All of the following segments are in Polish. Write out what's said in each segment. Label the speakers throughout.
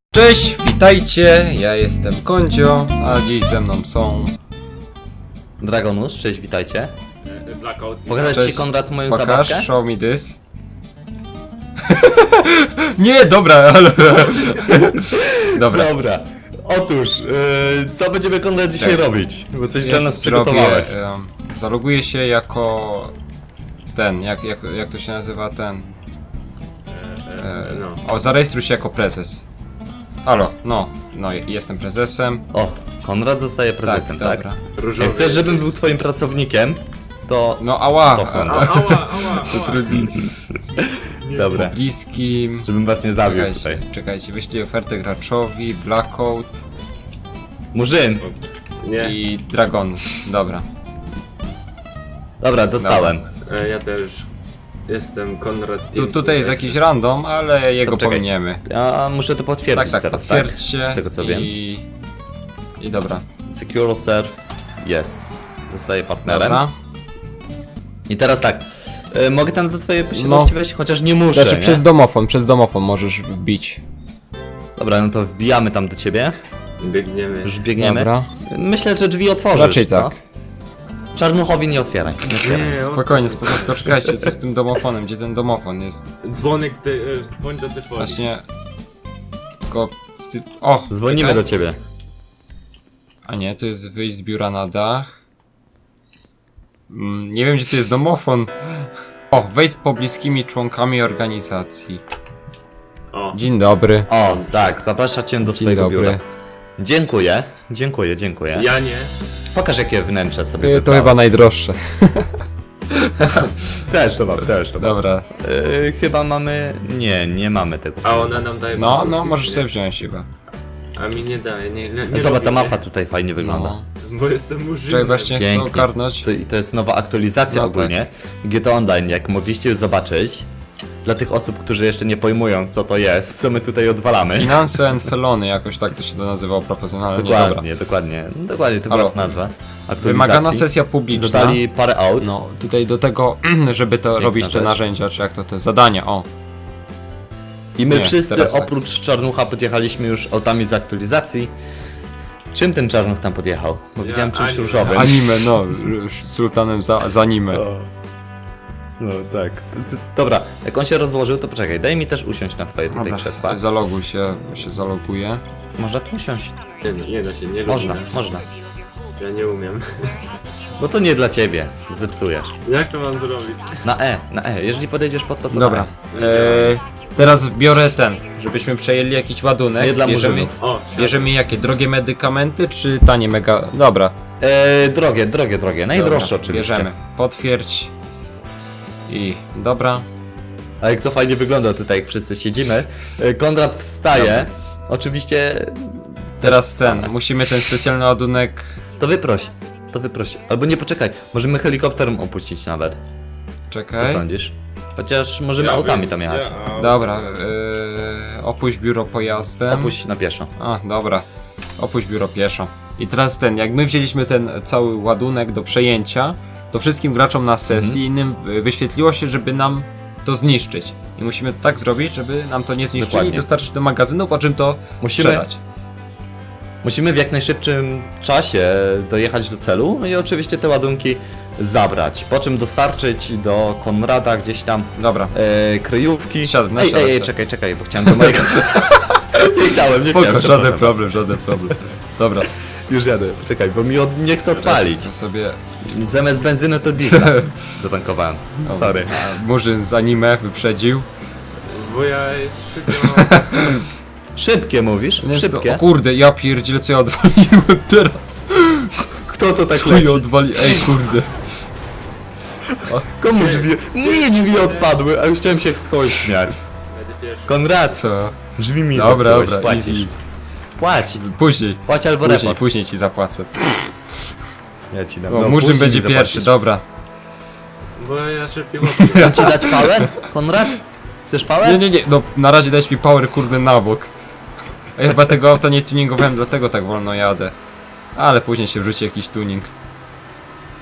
Speaker 1: Cześć, witajcie, ja jestem Kondzio, a dziś ze mną są...
Speaker 2: Dragonus, cześć, witajcie.
Speaker 3: Blackout.
Speaker 2: Pokazać
Speaker 1: Cześć.
Speaker 2: ci, Konrad, moją
Speaker 1: Pokaż,
Speaker 2: zabawkę?
Speaker 1: show me this. Nie, dobra, ale... Dobra.
Speaker 2: Dobra. Otóż, co będziemy, Konrad, dzisiaj
Speaker 1: Tak.
Speaker 2: robić? Bo coś
Speaker 1: Ja
Speaker 2: dla nas
Speaker 1: zrobię,
Speaker 2: przygotowałeś.
Speaker 1: zaloguję się jako... Ten, jak to się nazywa, ten...
Speaker 3: No.
Speaker 1: O, zarejestruj się jako prezes. Halo, no, jestem prezesem.
Speaker 2: O, Konrad zostaje prezesem, tak?
Speaker 1: Dobra.
Speaker 3: Różowy.
Speaker 2: Jak chcesz, żebym był twoim pracownikiem, to...
Speaker 1: No, ała,
Speaker 2: To są.
Speaker 3: Ała.
Speaker 2: Dobra,
Speaker 1: bliskim...
Speaker 2: żebym was nie zawiódł tutaj.
Speaker 1: Czekajcie, wyślij ofertę graczowi, Blackout
Speaker 2: Murzyn!
Speaker 3: Nie,
Speaker 1: i Dragon. Dobra.
Speaker 2: Dobra, dostałem.
Speaker 3: ja też jestem Konrad.
Speaker 1: Tutaj jest jakiś random, ale jego
Speaker 2: czekaj.
Speaker 1: pominiemy.
Speaker 2: Ja muszę to potwierdzić
Speaker 1: Tak,
Speaker 2: teraz, tak?
Speaker 1: potwierdźcie.
Speaker 2: Z tego co wiem.
Speaker 1: I dobra.
Speaker 2: Secure Serve, yes. Zostaję partnerem.
Speaker 1: Dobra.
Speaker 2: I teraz tak, mogę tam do twojej
Speaker 1: No.
Speaker 2: posiadłości wejść? Chociaż nie muszę,
Speaker 1: Znaczy
Speaker 2: nie?
Speaker 1: przez domofon możesz wbić.
Speaker 2: Dobra, no to wbijamy tam do ciebie.
Speaker 3: Biegniemy.
Speaker 2: Już biegniemy.
Speaker 1: Dobra.
Speaker 2: Myślę, że drzwi otworzysz,
Speaker 1: Raczej
Speaker 2: co?
Speaker 1: tak.
Speaker 2: Czarnuchowi nie otwieraj. Nie otwieraj.
Speaker 3: Nie,
Speaker 1: Spokojnie, czekajcie, co z tym domofonem? Gdzie ten domofon jest?
Speaker 3: Dzwonek bądź do tej woli.
Speaker 1: Właśnie... Tylko... O!
Speaker 2: Dzwonimy
Speaker 1: czekaj.
Speaker 2: do ciebie.
Speaker 1: A nie, to jest wyjść z biura na dach. Nie wiem, gdzie to jest domofon. O, wejdź z pobliskimi członkami organizacji.
Speaker 3: O,
Speaker 1: Dzień dobry.
Speaker 2: O, tak, zaprasza cię do
Speaker 1: Dzień
Speaker 2: swojego
Speaker 1: dobry.
Speaker 2: biura. Dziękuję. Dziękuję.
Speaker 3: ja nie.
Speaker 2: Pokaż, jakie wnętrze sobie
Speaker 1: To
Speaker 2: wybrałeś.
Speaker 1: chyba najdroższe.
Speaker 2: Też to mam.
Speaker 1: Dobra.
Speaker 2: Chyba mamy... Nie mamy tego
Speaker 3: A
Speaker 2: samego.
Speaker 3: ona nam daje
Speaker 1: No,
Speaker 3: polski,
Speaker 1: możesz
Speaker 3: nie?
Speaker 1: sobie wziąć chyba.
Speaker 3: A mi nie daje, nie
Speaker 2: Zobacz, ta
Speaker 3: lubimy,
Speaker 2: mapa tutaj fajnie wygląda.
Speaker 1: No.
Speaker 3: Bo jestem murzynem.
Speaker 1: Czekaj, właśnie chcę
Speaker 2: Pięknie.
Speaker 1: ogarnąć.
Speaker 2: To jest nowa aktualizacja
Speaker 1: No
Speaker 2: ogólnie. GTA Online, jak mogliście już zobaczyć. Dla tych osób, którzy jeszcze nie pojmują, co to jest, co my tutaj odwalamy.
Speaker 1: Finanse and felony, jakoś tak to się to nazywało profesjonalnie. Dobra.
Speaker 2: Dokładnie, to była
Speaker 1: Halo.
Speaker 2: nazwa. Aktualizacji.
Speaker 1: Wymagana sesja publiczna.
Speaker 2: Dodali parę aut.
Speaker 1: No, tutaj do tego, żeby to robić te
Speaker 2: rzecz.
Speaker 1: narzędzia, czy jak to te zadania, o.
Speaker 2: I my
Speaker 1: Nie,
Speaker 2: wszyscy
Speaker 1: teraz tak.
Speaker 2: oprócz Czarnucha podjechaliśmy już autami z aktualizacji. Czym ten Czarnuch tam podjechał? Bo
Speaker 3: Ja
Speaker 2: widziałem czymś
Speaker 3: anime.
Speaker 2: różowym.
Speaker 1: Anime, no, sultanem za anime.
Speaker 2: No tak. Dobra, jak on się rozłożył, to poczekaj, daj mi też usiąść na twoje tutaj krzesła.
Speaker 1: Zaloguj się, zaloguje.
Speaker 2: Można tu usiąść?
Speaker 3: Nie da się, nie
Speaker 2: Można,
Speaker 3: lubimy.
Speaker 2: można.
Speaker 3: Ja nie umiem.
Speaker 2: Bo to nie dla ciebie, zepsujesz.
Speaker 3: Jak to mam zrobić?
Speaker 2: Na E. Jeżeli podejdziesz pod to, to
Speaker 1: Dobra.
Speaker 2: na E.
Speaker 1: Teraz biorę ten, żebyśmy przejęli jakiś ładunek.
Speaker 2: Nie dla
Speaker 1: bierzemy,
Speaker 2: murzynów.
Speaker 3: O,
Speaker 1: bierzemy jakie? Drogie medykamenty, czy tanie mega... Dobra.
Speaker 2: Drogie. Najdroższe
Speaker 1: Dobra,
Speaker 2: oczywiście.
Speaker 1: Bierzemy. Potwierdź. I dobra.
Speaker 2: A jak to fajnie wygląda tutaj, jak wszyscy siedzimy. Konrad wstaje. Oczywiście...
Speaker 1: Teraz
Speaker 2: też
Speaker 1: ten,
Speaker 2: wstanę.
Speaker 1: musimy ten specjalny ładunek...
Speaker 2: To wyproś. Albo nie, poczekaj. Możemy helikopterem opuścić nawet. Co
Speaker 1: Czekaj.
Speaker 2: sądzisz? Chociaż możemy autami tam jechać.
Speaker 1: Dobra, opuść biuro pojazdem.
Speaker 2: Opuść na pieszo.
Speaker 1: A, dobra. Opuść biuro pieszo. I teraz ten, jak my wzięliśmy ten cały ładunek do przejęcia, to wszystkim graczom na sesji innym wyświetliło się, żeby nam to zniszczyć. I musimy tak zrobić, żeby nam to nie zniszczyli
Speaker 2: Dokładnie.
Speaker 1: i dostarczyć do magazynu, po czym to
Speaker 2: Musimy-
Speaker 1: sprzedać.
Speaker 2: Musimy w jak najszybszym czasie dojechać do celu i oczywiście te ładunki zabrać. Po czym dostarczyć do Konrada gdzieś tam
Speaker 1: Dobra.
Speaker 2: kryjówki.
Speaker 1: Siadam,
Speaker 2: Ej,
Speaker 1: siadam.
Speaker 2: czekaj, bo chciałem do mojego... nie chciałem,
Speaker 1: żaden problem. Dobra.
Speaker 2: Już jadę, czekaj, bo mi nie chce odpalić.
Speaker 1: To sobie
Speaker 2: Zamiast benzyny to diesla zatankowałem. Sorry.
Speaker 1: A Murzyn z anime wyprzedził.
Speaker 3: Bo ja jest szybko.
Speaker 2: Szybkie mówisz?
Speaker 1: Nie,
Speaker 2: Szybkie?
Speaker 1: O kurde, ja pierdzielę, co ja odwaliłem teraz.
Speaker 2: Kto to tak
Speaker 1: Co
Speaker 2: leci?
Speaker 1: ja odwaliłem? Ej, kurde.
Speaker 2: Komu drzwi? Mnie drzwi odpadły, a już chciałem się z kogoś śmiać.
Speaker 3: Będę pierwszy.
Speaker 2: Konrad,
Speaker 1: Co?
Speaker 2: drzwi mi
Speaker 1: Dobra,
Speaker 2: zepsułeś,
Speaker 1: dobra,
Speaker 2: płacisz.
Speaker 1: easy.
Speaker 2: Płać.
Speaker 1: Później.
Speaker 2: Albo report.
Speaker 1: Później ci zapłacę.
Speaker 2: Ja ci dam.
Speaker 1: O,
Speaker 2: No,
Speaker 1: Murzyn
Speaker 2: później
Speaker 1: będzie
Speaker 2: mi
Speaker 1: pierwszy,
Speaker 2: zapłacisz.
Speaker 1: dobra.
Speaker 3: Bo ja szybko
Speaker 2: Mam ci dać power? Konrad? Chcesz power?
Speaker 1: Nie, no na razie dać mi power kurde na bok. Ja chyba tego auta nie tuningowałem, dlatego tak wolno jadę. Ale później się wrzuci jakiś tuning.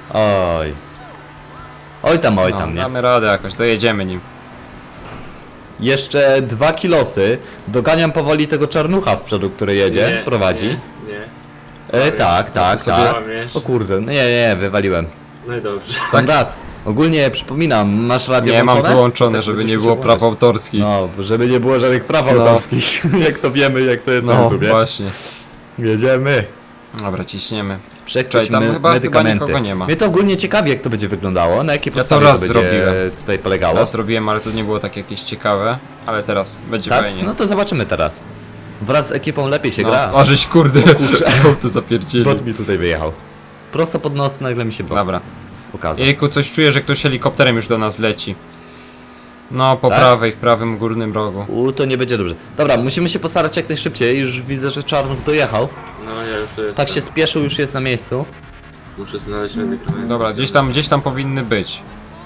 Speaker 2: Oj. Oj tam,
Speaker 1: No,
Speaker 2: nie?
Speaker 1: damy radę jakoś, dojedziemy nim.
Speaker 2: Jeszcze 2 kilosy. Doganiam powoli tego czarnucha z przodu, który jedzie,
Speaker 3: Nie,
Speaker 2: prowadzi.
Speaker 3: Nie.
Speaker 2: Tak, tak,
Speaker 1: sobie
Speaker 2: tak.
Speaker 3: łamiesz.
Speaker 2: O kurde, no nie, wywaliłem.
Speaker 3: No i dobrze.
Speaker 2: Konrad, ogólnie przypominam, masz radio
Speaker 1: Nie mam
Speaker 2: włączone?
Speaker 1: wyłączone,
Speaker 2: Tak,
Speaker 1: żeby
Speaker 2: będziesz
Speaker 1: nie
Speaker 2: musiał
Speaker 1: było praw
Speaker 2: włączyć.
Speaker 1: autorskich.
Speaker 2: No, żeby nie było żadnych praw
Speaker 1: No.
Speaker 2: autorskich, jak to wiemy, jak to jest na
Speaker 1: No,
Speaker 2: YouTubie.
Speaker 1: właśnie.
Speaker 2: Jedziemy.
Speaker 1: Dobra, ciśniemy.
Speaker 2: Przekroć
Speaker 1: Czekaj, tam chyba
Speaker 2: medykamenty.
Speaker 1: nikogo nie ma.
Speaker 2: Mnie to ogólnie ciekawi, jak to będzie wyglądało, na jakiej
Speaker 1: to
Speaker 2: podstawie
Speaker 1: raz
Speaker 2: to będzie
Speaker 1: zrobiłem.
Speaker 2: tutaj polegało.
Speaker 1: Raz robiłem, ale to nie było tak jakieś ciekawe. Ale teraz będzie
Speaker 2: Tak?
Speaker 1: fajnie.
Speaker 2: No to zobaczymy teraz. Wraz z ekipą lepiej się gra.
Speaker 1: O, żeś kurde, co to zapierdzieli.
Speaker 2: Bot mi tutaj wyjechał. Prosto pod nos nagle mi się bot
Speaker 1: Dobra.
Speaker 2: pokazał.
Speaker 1: Jejku, coś czuję, że ktoś helikopterem już do nas leci. No, po
Speaker 2: Tak?
Speaker 1: prawej, w prawym górnym rogu.
Speaker 2: To nie będzie dobrze. Dobra, musimy się postarać jak najszybciej. Już widzę, że Czarnów dojechał.
Speaker 3: No ja już to jestem.
Speaker 2: Tak się spieszył, już jest na miejscu.
Speaker 3: Muszę znaleźć medykament.
Speaker 1: Dobra, gdzieś tam powinny być.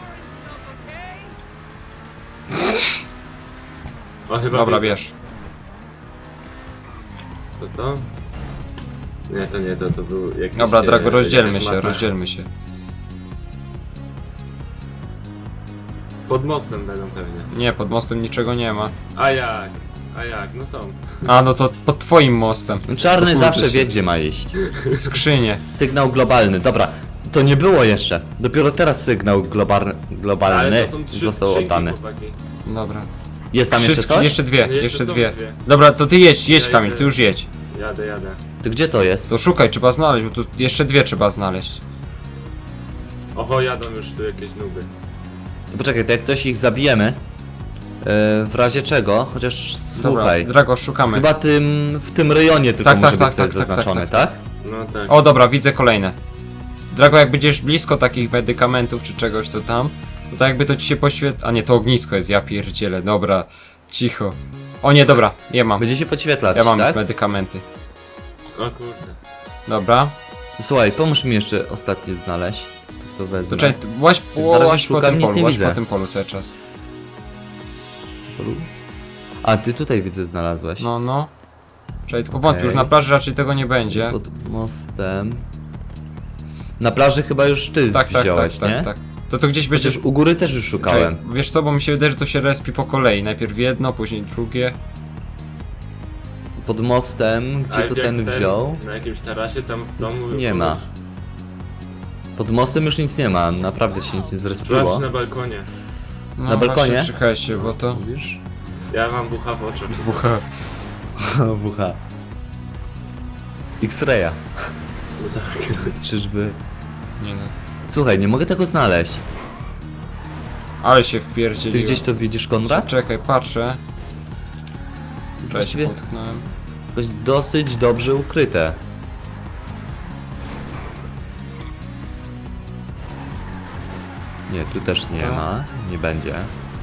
Speaker 3: O, chyba
Speaker 1: Dobra,
Speaker 3: widzę.
Speaker 1: bierz.
Speaker 3: To? Nie, to nie, to był jakiś...
Speaker 1: Dobra, Drago, rozdzielmy
Speaker 3: jakaś
Speaker 1: się,
Speaker 3: mapa.
Speaker 1: rozdzielmy się.
Speaker 3: Pod mostem będą pewnie.
Speaker 1: Nie, pod mostem niczego nie ma.
Speaker 3: A jak? No są.
Speaker 1: A, no to pod twoim mostem.
Speaker 2: Czarny
Speaker 1: Kurde
Speaker 2: zawsze
Speaker 1: się.
Speaker 2: wie, gdzie ma iść.
Speaker 1: Skrzynie.
Speaker 2: Sygnał globalny. Dobra, to nie było jeszcze. Dopiero teraz sygnał globalny
Speaker 3: Ale to są trzy
Speaker 2: został
Speaker 3: skrzynki,
Speaker 2: oddany.
Speaker 3: chłopaki.
Speaker 1: Dobra.
Speaker 2: Jest tam jeszcze coś?
Speaker 1: Jeszcze dwie,
Speaker 3: Jeszcze
Speaker 1: jeszcze
Speaker 3: są
Speaker 1: dwie.
Speaker 3: dwie.
Speaker 1: Dobra, to ty jedź
Speaker 3: Ja
Speaker 1: Kamil,
Speaker 3: idę.
Speaker 1: ty już jedź.
Speaker 3: Jadę.
Speaker 2: To gdzie to jest?
Speaker 1: To szukaj, trzeba znaleźć, bo tu jeszcze dwie trzeba znaleźć.
Speaker 3: Oho, jadą już tu jakieś nuby.
Speaker 2: Poczekaj, to jak coś ich zabijemy. W razie czego, chociaż
Speaker 1: Dobra,
Speaker 2: słuchaj.
Speaker 1: Drago, szukamy.
Speaker 2: Chyba w tym rejonie tylko
Speaker 1: Tak,
Speaker 2: może
Speaker 1: tak,
Speaker 2: być
Speaker 1: tak,
Speaker 2: coś
Speaker 1: tak, tak,
Speaker 2: zaznaczone,
Speaker 1: tak,
Speaker 2: tak?
Speaker 3: No tak.
Speaker 1: O, dobra, widzę kolejne. Drago, jak będziesz blisko takich medykamentów czy czegoś, to tam. To tak jakby to ci się poświetla. A nie, to ognisko jest, ja pierdzielę, dobra. Cicho. O nie, dobra, ja mam.
Speaker 2: Będzie się podświetlać,
Speaker 1: Ja mam
Speaker 2: tak?
Speaker 1: już medykamenty.
Speaker 3: O kurde.
Speaker 1: Dobra.
Speaker 2: Słuchaj, pomóż mi jeszcze ostatnie znaleźć. To wezmę.
Speaker 1: To czekaj, łaź
Speaker 2: Na razie
Speaker 1: po
Speaker 2: szukam,
Speaker 1: tym
Speaker 2: nic
Speaker 1: polu,
Speaker 2: nie
Speaker 1: łaź
Speaker 2: widzę.
Speaker 1: po tym polu cały czas.
Speaker 2: A, ty tutaj widzę znalazłeś.
Speaker 1: No. Czekaj, tylko wątpię,
Speaker 2: Okej.
Speaker 1: już na plaży raczej tego nie będzie.
Speaker 2: Pod mostem. Na plaży chyba już ty
Speaker 1: Tak,
Speaker 2: wziąłeś, nie?
Speaker 1: tak. To gdzieś będzie...
Speaker 2: Przecież u góry też już szukałem.
Speaker 1: Czekaj, wiesz co, bo mi się wydaje, że to się respi po kolei. Najpierw jedno, później drugie.
Speaker 2: Pod mostem,
Speaker 3: A
Speaker 2: gdzie to
Speaker 3: jak
Speaker 2: ten wziął?
Speaker 3: Na jakimś tarasie tam w domu...
Speaker 2: Nic nie ma. Pod mostem już nic nie ma, naprawdę się nic nie
Speaker 3: Sprawdź
Speaker 2: zrespiło.
Speaker 3: na balkonie.
Speaker 1: No,
Speaker 2: Na balkonie?
Speaker 1: Właśnie, czekaj się, bo to...
Speaker 2: Mówisz?
Speaker 3: Ja mam bucha w oczach.
Speaker 1: WH.
Speaker 2: WH. X-raya.
Speaker 3: Tak.
Speaker 2: Czyżby...
Speaker 1: Nie no.
Speaker 2: Słuchaj, nie mogę tego znaleźć.
Speaker 1: Ale się
Speaker 2: Ty
Speaker 1: wpierdzieliłem.
Speaker 2: gdzieś to widzisz, Konrad?
Speaker 1: Czekaj, patrzę.
Speaker 2: To jest
Speaker 1: Czekaj, się
Speaker 2: właściwie
Speaker 1: potknąłem.
Speaker 2: jakoś dosyć dobrze ukryte. Nie, tu też nie
Speaker 1: No.
Speaker 2: ma, nie będzie.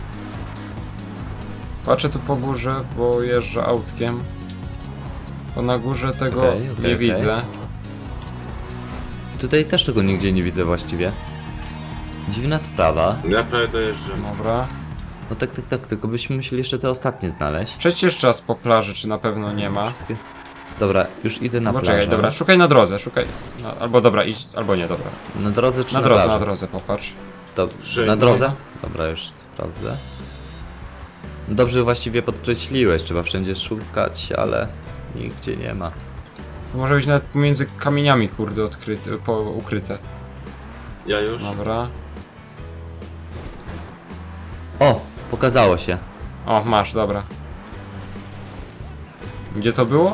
Speaker 1: Patrzę tu po górze, bo jeżdżę autkiem. Bo na górze tego
Speaker 2: Okej,
Speaker 1: nie
Speaker 2: okej.
Speaker 1: widzę.
Speaker 2: Tutaj też tego nigdzie nie widzę właściwie. Dziwna sprawa.
Speaker 3: Ja prawie dojeżdżam.
Speaker 1: Dobra.
Speaker 2: No tak, tylko byśmy musieli jeszcze te ostatnie znaleźć.
Speaker 1: Przejdź jeszcze raz po plaży, czy na pewno nie ma.
Speaker 2: Wszystkie... Dobra, już idę na
Speaker 1: No
Speaker 2: plażę.
Speaker 1: czekaj, dobra, szukaj na drodze, szukaj. No, albo dobra, idź, albo nie, dobra.
Speaker 2: Na drodze czy
Speaker 1: Na
Speaker 2: na
Speaker 1: drodze,
Speaker 2: plaży?
Speaker 1: na drodze, popatrz.
Speaker 2: To,
Speaker 3: Wszędzie.
Speaker 2: na drodze? Dobra, już sprawdzę. Dobrze właściwie podkreśliłeś, trzeba wszędzie szukać, ale nigdzie nie ma.
Speaker 1: To może być nawet pomiędzy kamieniami, kurde, ukryte.
Speaker 3: Ja już?
Speaker 1: Dobra.
Speaker 2: O, pokazało się.
Speaker 1: O, masz, dobra. Gdzie to było?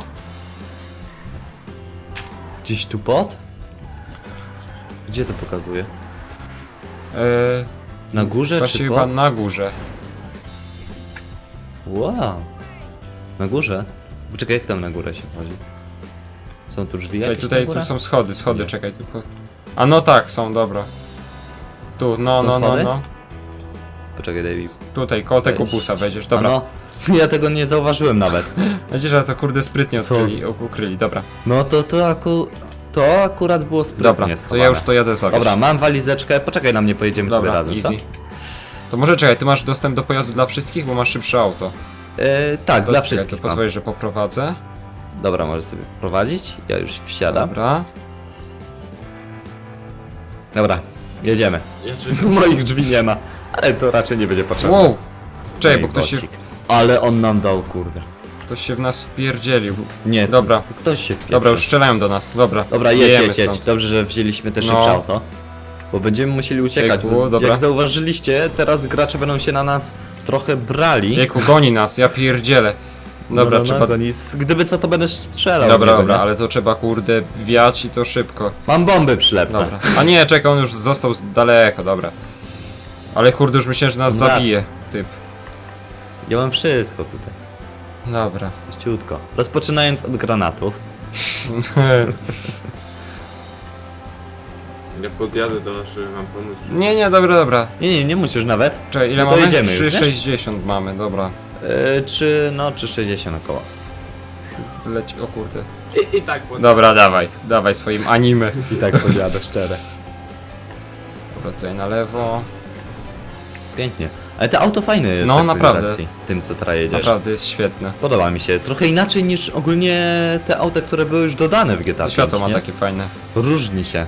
Speaker 2: Gdzieś tu pod? Gdzie to pokazuje? Na górze
Speaker 1: Właśnie
Speaker 2: czy
Speaker 1: chyba
Speaker 2: pod?
Speaker 1: na górze.
Speaker 2: Wow. Na górze? Poczekaj, jak tam na górę się chodzi? Są tu drzwi
Speaker 1: Czekaj,
Speaker 2: jakieś
Speaker 1: tutaj
Speaker 2: na górę?
Speaker 1: tu są schody,
Speaker 2: Nie.
Speaker 1: czekaj tylko. A no tak, są, dobra. Tu, no,
Speaker 2: Są
Speaker 1: no, no,
Speaker 2: schody?
Speaker 1: no.
Speaker 2: Poczekaj, David.
Speaker 1: Tutaj, koło tego
Speaker 2: Wejść.
Speaker 1: busa wejdziesz,
Speaker 2: A
Speaker 1: dobra.
Speaker 2: no, ja tego nie zauważyłem nawet.
Speaker 1: Widzisz, że to kurde sprytnie
Speaker 2: Co?
Speaker 1: ukryli, dobra.
Speaker 2: No to akurat było sprytnie
Speaker 1: Dobra, to
Speaker 2: schowane.
Speaker 1: ja już to jadę zawieźć.
Speaker 2: Dobra, mam walizeczkę, poczekaj na mnie, pojedziemy sobie
Speaker 1: Dobra,
Speaker 2: razem, co?
Speaker 1: easy. To może czekaj, ty masz dostęp do pojazdu dla wszystkich, bo masz szybsze auto.
Speaker 2: Tak,
Speaker 1: To
Speaker 2: dla
Speaker 1: czekaj,
Speaker 2: wszystkich
Speaker 1: To
Speaker 2: mam.
Speaker 1: pozwolisz, że poprowadzę.
Speaker 2: Dobra, możesz sobie prowadzić, ja już wsiadam.
Speaker 1: Dobra.
Speaker 2: Dobra, jedziemy.
Speaker 3: Ja czekam.
Speaker 2: Moich drzwi nie ma, ale to raczej nie będzie potrzebne.
Speaker 1: Wow! Czekaj,
Speaker 2: No
Speaker 1: bo
Speaker 2: i
Speaker 1: ktoś się...
Speaker 2: bocik. Ale on nam dał, kurde.
Speaker 1: Ktoś się w nas wpierdzielił.
Speaker 2: Nie,
Speaker 1: Dobra.
Speaker 2: to ktoś się wpieprzył.
Speaker 1: Dobra, już strzelają do nas. Dobra,
Speaker 2: Dobra,
Speaker 1: jejemy
Speaker 2: jedź.
Speaker 1: stąd.
Speaker 2: Dobrze, że wzięliśmy te
Speaker 1: No.
Speaker 2: szybsze auto. Bo będziemy musieli uciekać,
Speaker 1: Jejku,
Speaker 2: bo
Speaker 1: dobra.
Speaker 2: jak zauważyliście, teraz gracze będą się na nas trochę brali.
Speaker 1: Jejku, goni nas, ja pierdzielę. Dobra, trzeba...
Speaker 2: Gdyby co, to będę strzelał.
Speaker 1: Dobra,
Speaker 2: nie
Speaker 1: dobra,
Speaker 2: będę.
Speaker 1: ale to trzeba kurde wiać i to szybko.
Speaker 2: Mam bomby przylepne.
Speaker 1: Dobra. A nie, czekaj, on już został z daleko, dobra. Ale kurde, już myślałem, że nas
Speaker 2: Dobra.
Speaker 1: zabije, typ.
Speaker 2: Ja mam wszystko tutaj.
Speaker 1: Dobra.
Speaker 2: Ściutko. Rozpoczynając od granatów.
Speaker 3: Ja podjadę do was, żeby wam pomóc.
Speaker 1: Nie, dobra.
Speaker 2: Nie musisz nawet.
Speaker 1: Czekaj, ile
Speaker 2: No to
Speaker 1: mamy?
Speaker 2: jedziemy już, nie?
Speaker 1: 3,60 mamy, dobra.
Speaker 2: 3,60 około.
Speaker 1: Leci, o kurde.
Speaker 3: I tak podjadę.
Speaker 1: Dobra, dawaj swoim anime.
Speaker 2: I tak podjadę szczerze.
Speaker 1: Dobra, tutaj na lewo.
Speaker 2: Pięknie. Ale to auto fajne jest
Speaker 1: No,
Speaker 2: z
Speaker 1: naprawdę.
Speaker 2: aktualizacji, tym co teraz jedziesz.
Speaker 1: Naprawdę jest świetne.
Speaker 2: Podoba mi się. Trochę inaczej niż ogólnie te auta, które były już dodane w GTA
Speaker 1: To
Speaker 2: 5,
Speaker 1: światło ma
Speaker 2: nie?
Speaker 1: takie fajne.
Speaker 2: Różni się.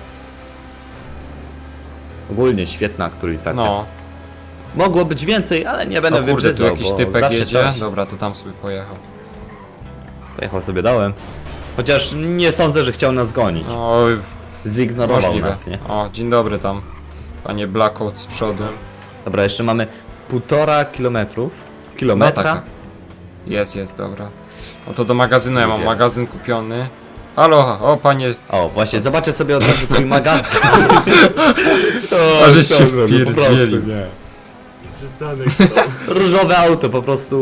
Speaker 2: Coś świetna aktualizacja.
Speaker 1: No.
Speaker 2: Mogło być więcej, ale nie będę
Speaker 1: O kurde, tu
Speaker 2: wybrzydzał,
Speaker 1: jakiś
Speaker 2: bo
Speaker 1: typek
Speaker 2: zawsze
Speaker 1: jedzie.
Speaker 2: coś.
Speaker 1: Dobra, to tam sobie pojechał.
Speaker 2: Pojechał sobie dołem. Chociaż nie sądzę, że chciał nas gonić.
Speaker 1: Oj,
Speaker 2: Zignorował
Speaker 1: możliwe.
Speaker 2: nas, nie?
Speaker 1: O, dzień dobry tam. Panie Blackout z przodu.
Speaker 2: Dobra, jeszcze mamy 1,5
Speaker 1: No
Speaker 2: kilometra.
Speaker 1: tak. Jest, dobra. No to do magazynu, ja mam
Speaker 2: Idzie.
Speaker 1: magazyn kupiony. Halo, o panie.
Speaker 2: O, właśnie, zobaczę sobie od razu twój magazyn.
Speaker 1: A żeś się
Speaker 2: dobra, no po prostu
Speaker 1: wpierdzielił.
Speaker 2: nie.
Speaker 3: Przystanek
Speaker 2: Różowe auto, po prostu...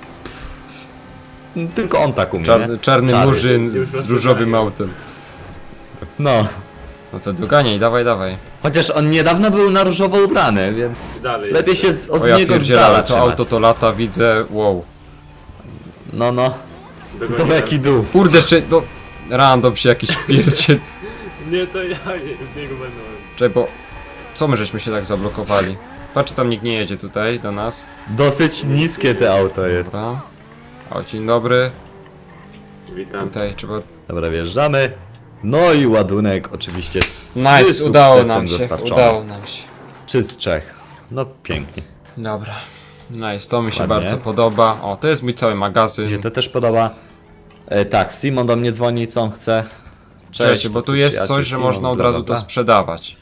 Speaker 2: Tylko on tak umie, nie?
Speaker 1: Czarny
Speaker 2: Czarny.
Speaker 1: murzyn
Speaker 3: Już
Speaker 1: z
Speaker 3: rozpoznaję.
Speaker 1: różowym autem.
Speaker 2: No.
Speaker 1: No to doganiaj, dawaj.
Speaker 2: Chociaż on niedawno był na różowo ubrany, więc
Speaker 3: Dalej
Speaker 2: lepiej
Speaker 3: jeszcze.
Speaker 2: się od
Speaker 1: O ja
Speaker 2: niego z
Speaker 1: pierdzielę, ale
Speaker 2: dala
Speaker 1: to
Speaker 2: trzymać.
Speaker 1: auto to lata, widzę, wow.
Speaker 2: No.
Speaker 3: Dogonię
Speaker 2: Zobacz jaki
Speaker 3: tam.
Speaker 2: dół.
Speaker 1: Kurde, jeszcze, no, random się jakiś wpierdziel.
Speaker 3: Nie, to ja z niego będę.
Speaker 1: Czekaj, bo co my żeśmy się tak zablokowali? Patrz, tam nikt nie jedzie tutaj do nas.
Speaker 2: Dosyć niskie te auto jest.
Speaker 1: Dobra. O, dzień dobry.
Speaker 3: Witam.
Speaker 1: Tutaj trzeba...
Speaker 2: Dobra, wjeżdżamy. No i ładunek oczywiście z
Speaker 1: Nice, udało
Speaker 2: sukcesem
Speaker 1: nam się,
Speaker 2: dostarczony.
Speaker 1: udało nam się.
Speaker 2: Czy z Czech. No pięknie.
Speaker 1: Dobra. Nice, to mi się
Speaker 2: Ładnie.
Speaker 1: bardzo podoba. O, to jest mój cały
Speaker 2: Mi się
Speaker 1: magazyn.
Speaker 2: to też podoba. Tak, Simon do mnie dzwoni, co on chce.
Speaker 1: Cześć, bo
Speaker 2: to
Speaker 1: tu
Speaker 2: twój
Speaker 1: jest
Speaker 2: przyjaciel
Speaker 1: coś, że
Speaker 2: Simon,
Speaker 1: można od
Speaker 2: bla,
Speaker 1: razu
Speaker 2: bla,
Speaker 1: to
Speaker 2: bla.
Speaker 1: sprzedawać.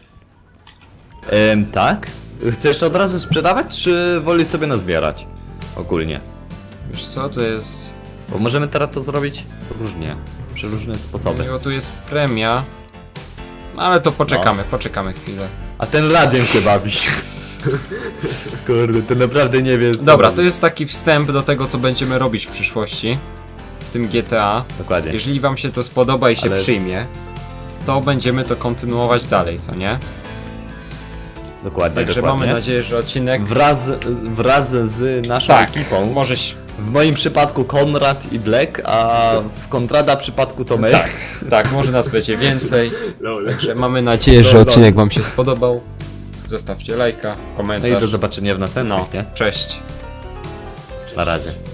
Speaker 2: Tak? Chcesz to od razu sprzedawać, czy wolisz sobie nazbierać? Ogólnie.
Speaker 1: Wiesz co, to jest...
Speaker 2: Bo możemy teraz to zrobić różnie. Przy różne sposoby.
Speaker 1: Bo tu jest premia. No, ale to poczekamy chwilę.
Speaker 2: A ten radiem się bawi. Kurde, to naprawdę nie wie co
Speaker 1: Dobra,
Speaker 2: robi.
Speaker 1: to jest taki wstęp do tego, co będziemy robić w przyszłości. W tym GTA.
Speaker 2: Dokładnie.
Speaker 1: Jeżeli wam się to spodoba i się
Speaker 2: Ale-
Speaker 1: przyjmie, to będziemy to kontynuować dalej, co nie?
Speaker 2: Dokładnie,
Speaker 1: Także
Speaker 2: dokładnie.
Speaker 1: mamy nadzieję, że odcinek...
Speaker 2: Wraz z naszą
Speaker 1: Tak,
Speaker 2: ekipą.
Speaker 1: możesz...
Speaker 2: W moim przypadku Konrad i Black, a w Konrada przypadku to my.
Speaker 1: Tak, może nas będzie więcej.
Speaker 3: Lol.
Speaker 1: Także mamy nadzieję, że odcinek wam się spodobał. Zostawcie lajka,
Speaker 2: No
Speaker 1: komentarz.
Speaker 2: i do zobaczenia w następnym,
Speaker 1: No,
Speaker 2: nie?
Speaker 1: cześć.
Speaker 2: Na razie.